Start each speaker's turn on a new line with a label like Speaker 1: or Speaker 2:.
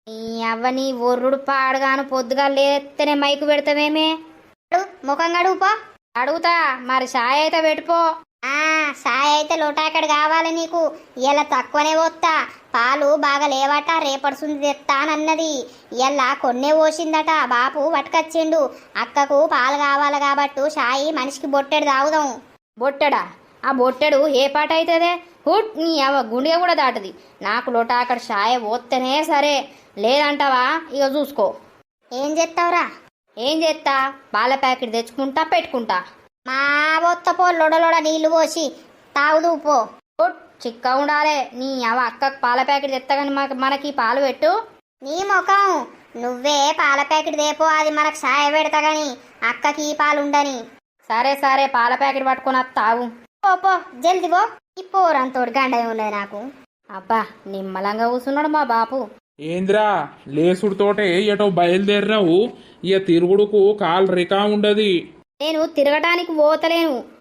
Speaker 1: ఈ అవ్వని ఒర్రుడు పాడుగాను పొద్దుగా లేస్తేనే మైకు పెడతావేమే. ముఖం కడుగుపో. అడుగుతా మరి సాయ అయితే పెట్టుపో. సాయ అయితే లోటాకడ కావాలి నీకు. ఇలా తక్కువనే పోతా. పాలు బాగా లేవట, రేపడుసుంది తెస్తానన్నది. ఇలా కొన్నే పోసిందట, బాపు పట్టుకొచ్చిండు. అక్కకు పాలు కావాలి కాబట్టి సాయి మనిషికి బొట్టెడు తాగుదాం. బొట్టెడా? ఆ బొట్టెడు ఏ పాట అవుతుందే? హుట్ నీ అవ గుండె కూడా దాటది. నాకు లోటాకడ సాయ పోతేనే సరే, లేదంటావా ఇక చూసుకో. ఏం చేస్తావురా? ఏం చేస్తా? పాల ప్యాకెట్ తెచ్చుకుంటా, పెట్టుకుంటా. మా బొత్తపో లొడలొడ నీళ్లు పోసి తాగుదు పో. చిక్క ఉండాలే. నీ అవ అక్కకు పాల ప్యాకెట్ తెత్తగాని మనకి పాలు పెట్టు. నీ ముఖం, నువ్వే పాల ప్యాకెట్ దేపో, అది మనకు సాయ పెడతా గాని అక్కకి పాలు ఉండని. సరే సరే, పాల ప్యాకెట్ పట్టుకుని తాగు. పో జల్ది పో. ఈ పోరంతోడు గండ ఉన్నది నాకు. అబ్బా నిమ్మలంగా కూర్చున్నాడు మా బాపు.
Speaker 2: ఏంద్రా లేసుడుతోటే ఎటో బయలుదేరినావు? ఇక తిరుగుడుకు కాలు రికా ఉండది.
Speaker 1: నేను తిరగటానికి పోతలేను,